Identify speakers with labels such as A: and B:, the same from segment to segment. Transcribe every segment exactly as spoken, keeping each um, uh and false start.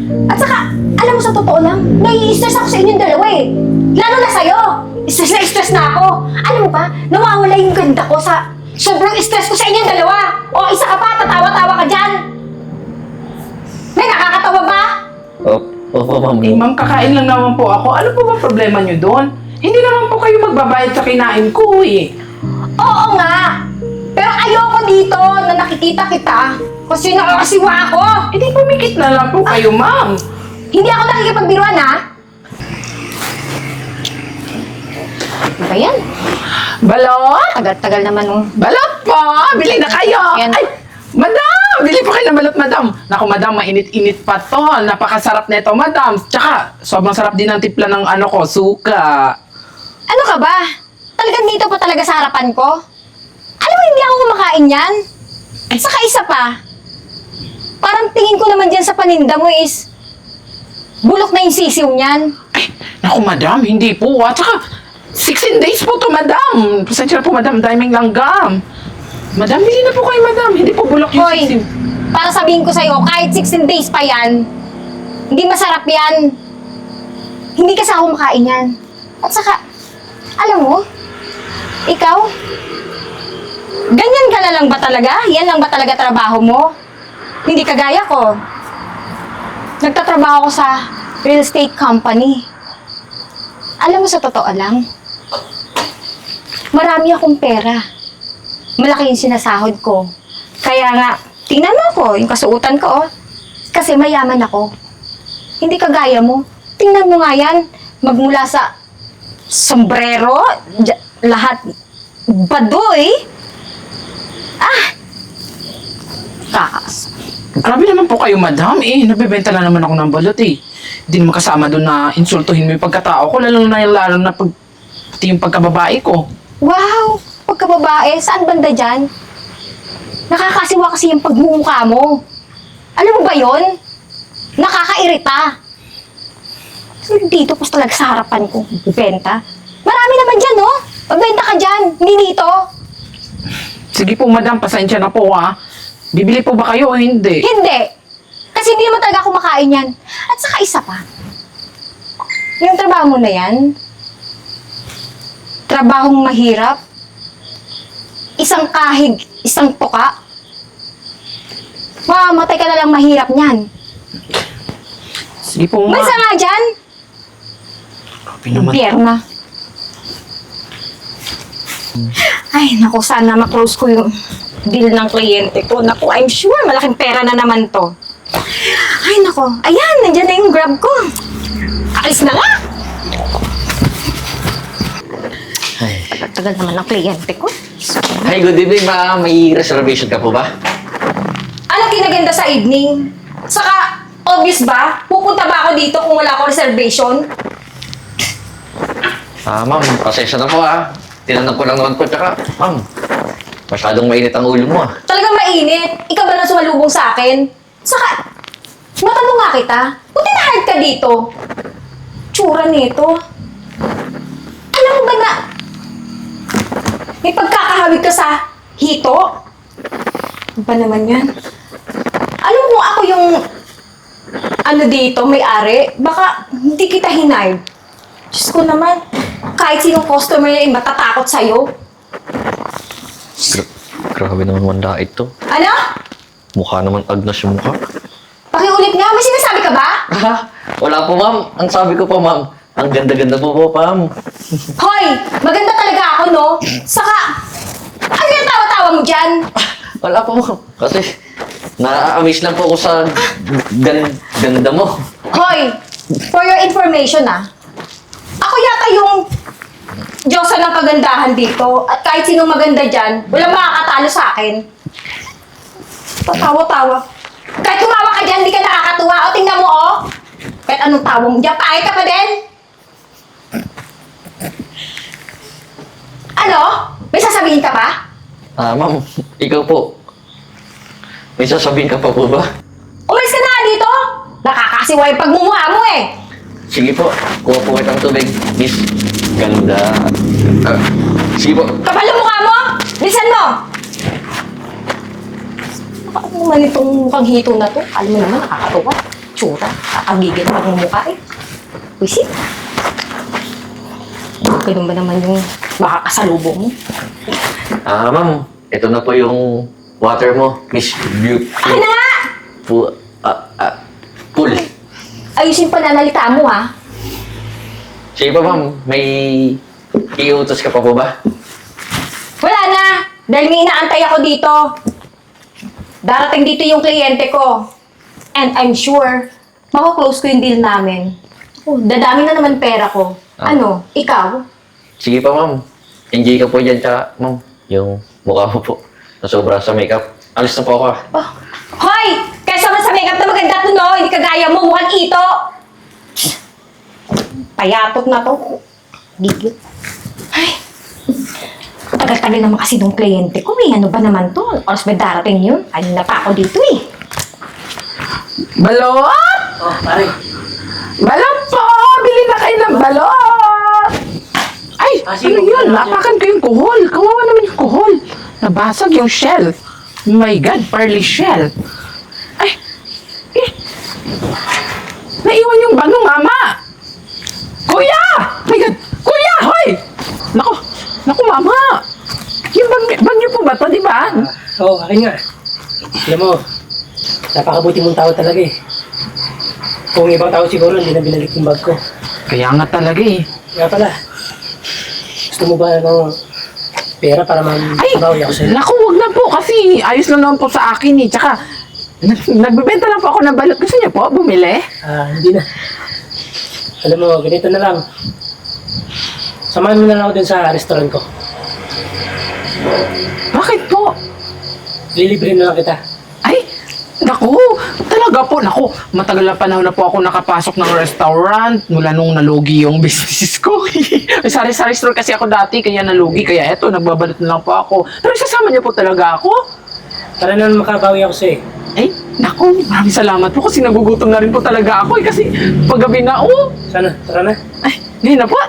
A: At saka, alam mo sa totoo lang, nai-stress ako sa inyong dalawa eh. Lalo na sa'yo. Stress na stress na ako. Alam mo ba, nawawala yung ganda ko sa sobrang stress ko sa inyong dalawa. O isa ka pa, tatawa-tawa ka dyan. May nakakatawa ba?
B: Opo, opo, ma'am.
C: Eh, ma'am, kakain lang naman po ako. Ano po ba problema niyo doon? Hindi naman po kayo magbabayad sa kinain ko eh.
A: Oo nga. Pero ayoko dito na nakikita kita kasi nakakasiwa ako.
C: Eh, di pumikit na lang po kayo, ma'am.
A: Hindi ako nakikipagbiruan, ha? Ano ba yan?
C: Balot?
A: Tagal-tagal naman nung...
C: Balot po! Bili na kayo!
A: Yan.
C: Ay, madam! Bili po kayo ng balot, madam. Naku, madam, mainit-init pa to. Napakasarap nito, madam. Tsaka, sobrang sarap din ang tipla ng ano ko, suka.
A: Ano ka ba? Talagang dito pa talaga sa harapan ko? Alam mo, hindi ako kumakain yan. At saka isa pa, parang tingin ko naman dyan sa paninda mo is bulok na yung sisiw niyan.
C: Ay, naku, madam, hindi po. At saka, sixteen days po to, madam. Pasensya na po, madam. Daming langgam. Madam, bili na po kayo, madam. Hindi po bulok yung
A: Hoy,
C: sisiw.
A: para sabihin ko sa'yo, kahit sixteen days pa yan, hindi masarap yan. Hindi kasi ako kumakain yan. At saka, alam mo, ikaw, ganyan ka na lang ba talaga? Yan lang ba talaga trabaho mo? Hindi kagaya ko. Nagtatrabaho ko sa real estate company. Alam mo, sa totoo lang, marami akong pera. Malaki yung sinasahod ko. Kaya nga, tingnan mo ko, yung kasuotan ko, oh. Kasi mayaman ako. Hindi kagaya mo. Tingnan mo nga yan, magmula sa sombrero, dya- lahat baduy. Ah! Kakas.
C: Grabe naman po kayo, madam. Eh, nabibenta na naman ako ng balot eh. Hindi naman kasama doon na insultuhin mo yung pagkatao ko, lalo na yung lalo na pag, pati yung pagkababae ko.
A: Wow! Pagkababae, saan banda dyan? Nakakasiwa kasi yung pagmumukha mo. Alam mo ba yon? Nakakairita. So, dito pas talaga sa harapan ko, benta. Marami naman dyan, no? Magbenta ka dyan, hindi dito.
C: Sige po, madam, pasensya na po ah. Bibili po ba kayo o hindi?
A: Hindi. Kasi hindi naman talaga ako makain yan. At saka isa pa. Yung trabaho mo na yan, trabahong mahirap, isang kahig, isang tuka, mamamatay ka na lang mahirap niyan.
C: Sige po, ma.
A: Malisa nga dyan!
C: Grabe naman.
A: Pierna. Ay, naku, sana ma-close ko yung deal ng kliyente ko. Naku, I'm sure malaking pera na naman to. Ay, naku. Ayan, nandyan na yung grab ko. Alis na nga!
B: Ay.
A: Tagal naman ng kliyente ko.
B: Hi, good evening, ma'am. May reservation ka po ba?
A: Ano kinaganda sa evening? Saka, obvious ba? Pupunta ba ako dito kung wala akong reservation?
B: Ah, ma'am, pasensya na po ah. Tinanong ko lang naman po, tsaka, ma'am, masyadong mainit ang ulo mo ah.
A: Talagang mainit. Ikaw ba nang sumalubong sa akin? Saka, matanong nga kita, buti na-hard ka dito. Tsura nito. Alam mo ba na may pagkakahawig ka sa hito? Ano ba naman yan? Alam mo ako yung ano dito, may-ari, baka hindi kita hinay. Diyos ko naman, kahit sinong customer na matatakot sa'yo.
B: Gra- grabe naman wanda ito.
A: Ano?
B: Mukha naman agnas yung mukha.
A: Pakiulit nga, may sinasabi ka ba?
B: Ah, wala po, ma'am. Ang sabi ko po, ma'am, ang ganda-ganda po po, ma'am.
A: Hoy! Maganda talaga ako, no? Saka, ano yung tawa-tawa mo dyan?
B: Wala po, ma'am. Kasi, na-amaze lang po ako sa gan- ganda mo.
A: Hoy! For your information, ah. Ako yata yung Diyosa ng kagandahan dito. At kahit sinong maganda dyan, walang makakatalo sa akin. Patawa-tawa. Kahit tumawa ka dyan, di ka nakakatuwa. O, tingnan mo, oh. Kahit anong tawa mo dyan, pahit ka pa din. Ano? May sasabihin ka pa?
B: Ah, ma'am, ikaw po. May sasabihin ka pa po ba?
A: Umalis ka na nga dito! Nakakasiwa yung pagmumukha mo eh!
B: Sige po, kuha po kitang tubig. Miss, ganda. Ah, sige po.
A: Kapal ang mukha mo! Bilisan mo! Ano naman itong mukhang hito na to? Alam mo naman, nakakatuwa. Tsura. Kakagigil pa ng mukha eh. Wisit. Ganun ba naman yung makakasalubong mo?
B: Ah, ma'am, ito na po yung water mo, Miss Beauty.
A: Akin na nga!
B: Pu... Ah, ah, pool.
A: Ayusin pananalita mo ha.
B: Sige pa, ma'am. May iutos ka pa po ba?
A: Wala na! Dahil may inaantay ako dito. Darating dito yung kliyente ko. And I'm sure, mako-close ko yung deal namin. Oh, dadami na naman pera ko.
B: Ah.
A: Ano, ikaw?
B: Sige pa, ma'am. Enjoy ka po dyan, tsaka, ma'am, yung mukha mo po na sobra sa makeup. Alis na po ako, ah.
A: Oh. Hoy! Kesa man sa makeup na maganda to, no? Hindi kagaya mo, mukhang ito! Payatot na to. Gigit. Ay. Tagal-tagal naman kasi nung kliyente ko eh. Ano ba naman to? Oras ba darating yun? Ay, na pa ako dito eh.
C: Balot!
D: Oh, pare.
C: Balot po! Bili na kayo ng balot! Ay,
D: Ah,
C: ano
D: sige,
C: yun?
D: okay.
C: Napakan ko yung kuhol. Kawawa naman yung kuhol. Nabasag yung shell. My God, pearly shell. Ay, eh. Naiwan yung bag ng mama. Kuya! My God! Kuya! Hoy! Naku! Naku, mama! Yung bag, bag niyo po ba to, di ba?
D: Oo, oh, akin nga. Alam mo, napakabuti mong tao talaga eh. Kung ibang tao siguro, hindi na binalik yung bag ko.
C: Kaya nga talaga eh.
D: Nga pala, gusto mo ba ng pera para
C: Ay!
D: mabawi ako sa'yo?
C: Naku, wag na po kasi ayos lang naman po sa akin eh. Tsaka, nag- nagbebenta lang po ako ng balot. Gusto niyo po bumili?
D: Ah, hindi na. Alam mo, ganito na lang. Samahan mo na lang ako dun sa restaurant ko.
C: Bakit po?
D: Lilibre na lang kita.
C: Ay, naku, talaga po. Naku, matagal na panahon na po ako nakapasok ng restaurant mula nung nalugi yung business ko. May sari-sari store kasi ako dati, kaya nalugi. Kaya eto, nagbabalot na lang po ako. Pero sasama niyo po talaga ako?
D: Para naman makabawi ako sa'yo.
C: Ay, naku, maraming salamat po kasi nagugutom na rin po talaga ako eh. Kasi paggabi na, oh.
D: Sana, tara na.
C: Ay, ngayon na po.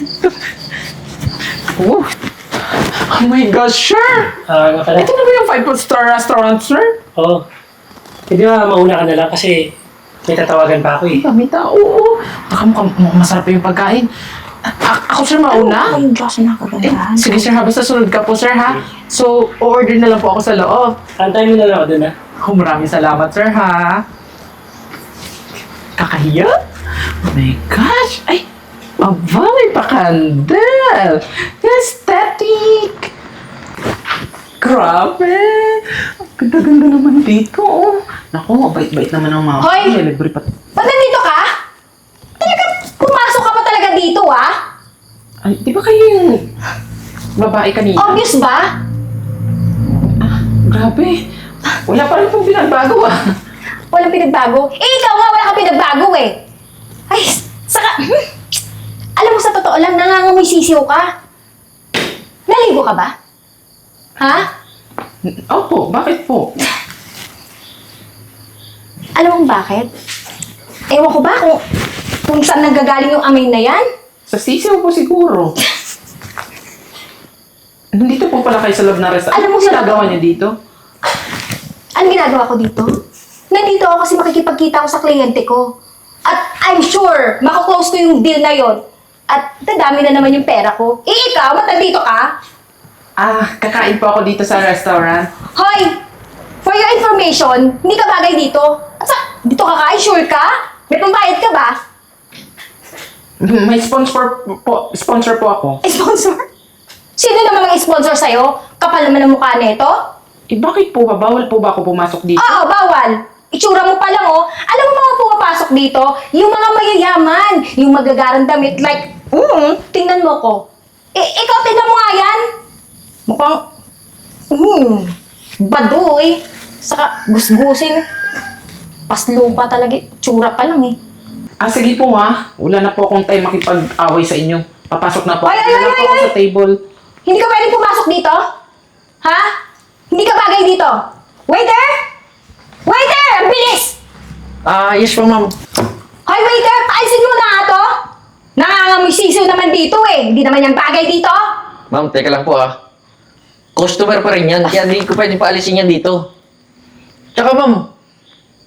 C: Oh. Oh my gosh, sir!
D: Ah, nga pala.
C: Ito na ba yung five-star restaurant, sir?
D: Oo. Pwede ba mauna ka na lang kasi may tatawagan pa ako eh.
C: Kami tao, oo. Baka mukhang mukhang masarap yung pagkain. A- ako, sir, mauna?
A: Ay, yung Diyos na
C: Eh,
A: kagandahan.
C: sige, sir, ha. Basta sunod ka po, sir, ha? So, order na lang po ako sa loob.
D: Antayin mo na lang ako dun ha.
C: Oh, maraming salamat, sir, ha? Kakahiya? Oh my gosh! Ay! Aba, may pakandel! Aesthetic! Grabe! Ang ganda-ganda naman dito, oh. Naku, ang bait-bait naman ang mga
A: Hoy!
C: May libre pa.
A: Ba't nandito ka? Talaga, pumasok ka pa talaga dito ah?
C: Ay, di ba kayo yung babae kanina?
A: Obvious ba?
C: Ah, grabe. Wala pa rin pong pinagbago, ah.
A: Walang pinagbago? Eh, ikaw nga, wala kang pinagbago eh. Ay, saka, hmm, alam mo sa totoo lang, nangangamoy sisiw ka. Naligo ka ba? Ha?
C: Opo, bakit po?
A: Alam mo bakit? Ewan ko ba kung, kung saan nanggagaling yung amoy na yan?
C: Sa sisiw po siguro. Nandito po pala kayo sa loob ng restaurant.
A: Alam mo,
C: Ano po
A: sa-
C: ginagawa niyo dito?
A: Anong ginagawa ko dito? Nandito ako kasi makikipagkita ko sa kliyente ko. At I'm sure, makaklose ko yung deal na yon. At dadami na naman yung pera ko. Eh, ikaw, matandito ka?
C: Ah, kakain po ako dito sa restaurant.
A: Hoy! For your information, hindi ka bagay dito. At sa, dito ka kain, sure ka? May pambayad ka ba?
C: May sponsor po, sponsor po ako.
A: Eh, sponsor? Sino naman ang sponsor sa'yo? Kapal naman ang mukha nito?
C: Eh, bakit po ba? Bawal po ba ako pumasok dito?
A: Oo, bawal. Itsura mo pa lang, oh. Alam mo mga pumapasok dito? Yung mga mayayaman, yung magagarang damit, like, mm, tingnan mo ko. Eh, ikaw, tingnan mo nga yan. Mukhang, mm, baduy. Saka, gusgusin. Paslo pa talaga. Tsura pa lang, eh.
C: Ah, sige po ha. Wala na po akong time makipag-away sa inyo. Papasok na po.
A: Ay, ay,
C: Wala
A: ay,
C: na po
A: ay,
C: ako
A: ay!
C: sa table.
A: Hindi ka pwede pumasok dito? Ha? Hindi ka bagay dito? Waiter! Waiter! Ang bilis!
B: Ah, yes po, ma'am.
A: Hoy, waiter! Paalisin mo na nga to! Nangangamoy sisiw naman dito eh. Hindi naman yan bagay dito.
B: Ma'am, teka lang po, ah. Customer pa rin yan, kaya hindi ko pwede paalisin yan dito. Tsaka, ma'am,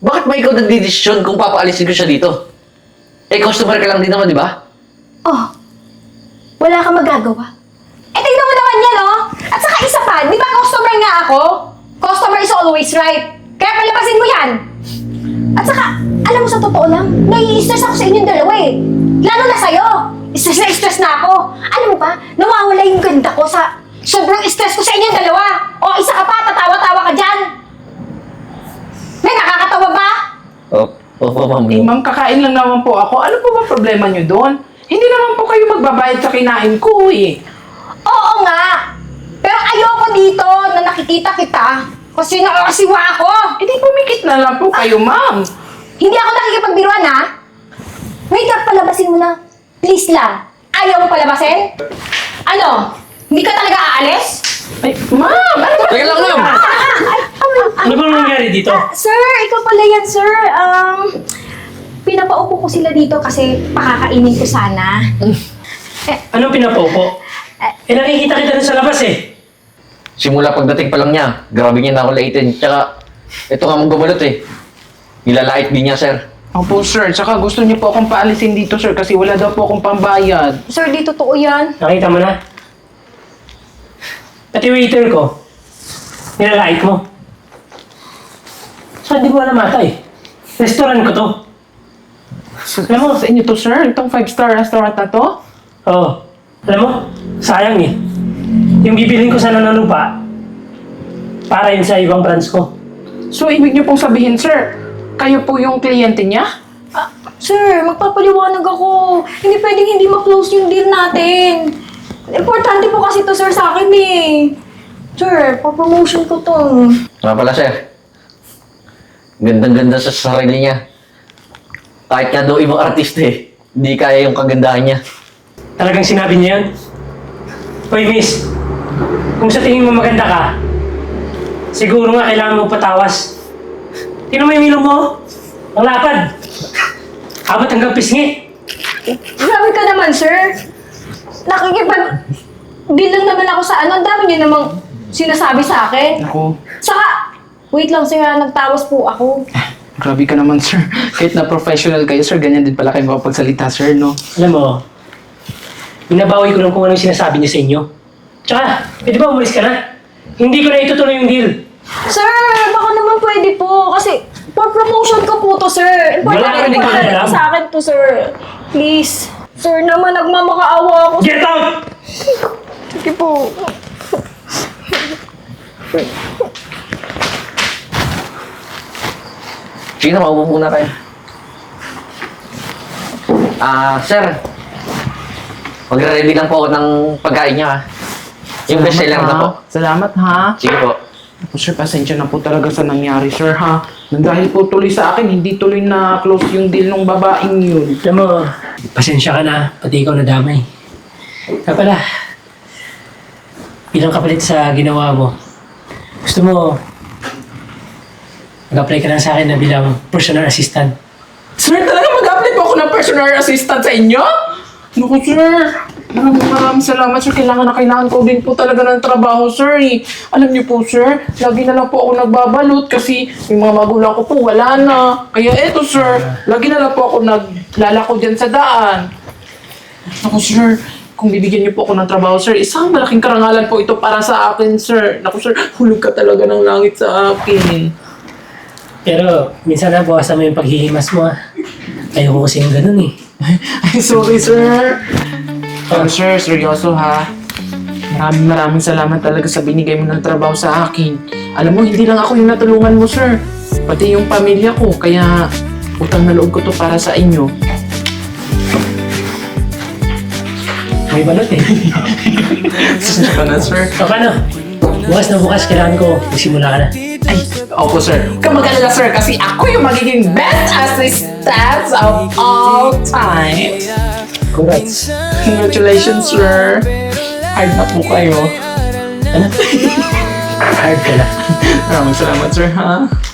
B: Bakit ba ikaw nagdidesisyon kung papaalisin ko siya dito? Eh, customer ka lang din naman, di ba?
A: Oh, wala kang magagawa. Eh, tignan mo naman yan, oh! At saka isa pa, di ba customer nga ako? Customer is always right. Kaya palabasin mo yan! At saka, alam mo sa totoo lang, nai-stress ako sa inyong dalawa eh. Lalo na sa'yo. Stress na stress na ako. Alam mo ba, nawawala yung ganda ko sa sobrang stress ko sa inyong dalawa. O isa ka pa, tatawa-tawa ka dyan. May nakakatawa ba?
B: Oh, opo, ma'am.
C: Eh, ma'am, kakain lang naman po ako. Ano po ba problema niyo doon? Hindi naman po kayo magbabayad sa kinain ko eh.
A: Oo nga. Pero ayoko dito na nakikita kita kasi nakakasiwa ako.
C: Eh, di pumikit na lang po kayo, ma'am.
A: Hindi ako nakikipagbiruan ha. Wait up, palabasin mo na. Please lang. Ayaw mo palabasin? Ano? Hindi ka talaga aalis?
C: Ay, ma'am! Ano ba?
B: Teka lang, ma'am!
A: Ah, ay, ay,
D: Ano ba nangyari dito?
A: ah, sir, ikaw pala yan, sir. Um, pinapaupo ko sila dito kasi pakakainin ko sana.
D: Anong pinapaupo? Eh, nakikita kita na sa labas eh.
B: Simula pagdating pa lang niya, grabe niya na ako laitin. Tsaka, ito nga mong gumalot eh. Nilalait din niya, sir.
C: Opo, sir. Tsaka gusto niyo po akong paalisin dito, sir, kasi wala daw po akong pambayad.
A: Sir, di totoo yan.
D: Nakita mo na? Pati waiter ko, nilalait mo. So, hindi mo alam ata eh. Restaurant ko to. Alam mo,
C: Sa inyo to, sir? Itong five-star restaurant na to?
D: Oo. Alam mo, sayang eh. Yung bibilin ko sana ng lupa, para yun sa ibang branch ko.
C: So, ibig niyo pong sabihin, sir, kayo po yung kliyente niya?
A: Ah, sir, magpapaliwanag ako. Hindi pwedeng hindi ma-close yung deal natin. Importante po kasi to, sir, sa akin eh. Sir, pa-promotion ko to.
B: Nga pala, sir. Gandang-ganda sa sarili niya. Kahit nga daw ibang artista eh, hindi kaya yung kagandahan niya.
D: Talagang sinabi niya yun? Hoy, miss. Kung sa tingin mo maganda ka, siguro nga kailangan mo patawas. Tingnan mo yung ilong mo. Ang lapad. Abot hanggang pisngi.
A: Grabe ka naman, sir. Nakikipag... Deal lang naman ako sa ano. Ang dami niyo namang sinasabi sa akin.
C: Ako,
A: Saka, wait lang, sir, ha, nagtawas po ako.
C: grabe ka naman, sir. Kahit na professional kayo, sir, ganyan din pala kayo makapagsalita, sir, no?
D: Alam mo, binabawi ko lang kung anong sinasabi niya sa inyo. Tsaka, pwede ba umalis ka na? Hindi ko na itutuloy yung deal.
A: Sir, baka naman pwede po. Kasi, for promotion ko po to, sir.
D: Wala
A: Important
D: ka rin
A: important
D: alam.
A: sa akin to, sir. Please. Sir naman, nagmamakaawa ako.
D: Get out!
A: Sige po.
B: Sige na, maupo muna kayo. Ah, sir. Magre-ready lang po ako ng pagkain niya, ha? Yung best seller na po.
C: Salamat, ha?
B: Sige po.
C: Ako, sir, pasensya na po talaga sa nangyari, sir, ha? Nang dahil po tuloy sa akin, hindi tuloy na close yung deal ng babaeng yun.
D: Alam mo, pasensya ka na, pati ikaw nadamay. Kaya pala, bilang kapalit sa ginawa mo, gusto mo, mag-apply ka lang sa akin na bilang personal assistant.
C: Sir, talaga mag-apply po ako ng personal assistant sa inyo? Naku, sir. Maraming maraming salamat, sir. Kailangan na kailangan ko din po talaga ng trabaho, sir. Eh. Alam niyo po, sir, lagi na lang po ako nagbabalot kasi yung mga magulang ko po wala na. Kaya eto, sir, lagi na lang po ako naglalako dyan sa daan. Naku, sir, kung bibigyan niyo po ako ng trabaho, sir, isang malaking karangalan po ito para sa akin, sir. Naku, sir, hulog ka talaga ng langit sa akin.
D: Pero, minsan na, bawasan mo yung paghihimas mo ah. Ayoko kasi yung ganun eh.
C: Ay, sorry, sir. Pero sir, seryoso ha. Maraming maraming salamat talaga sa binigay mo ng trabaho sa akin. Alam mo, hindi lang ako yung natulungan mo, sir. Pati yung pamilya ko, kaya utang na loob ko to para sa inyo.
D: May balot eh.
C: Sasya ka na, sir.
D: So, paano? Bukas na bukas, kailangan ko magsimula ka na.
C: Ay, opo, sir. Huwag ka mag-alala, sir, kasi ako yung magiging best assistant of all time.
D: Congrats.
C: Congratulations, sir. Hard na po kayo.
D: Ano? Hard ka na.
C: Maraming salamat, sir, ha?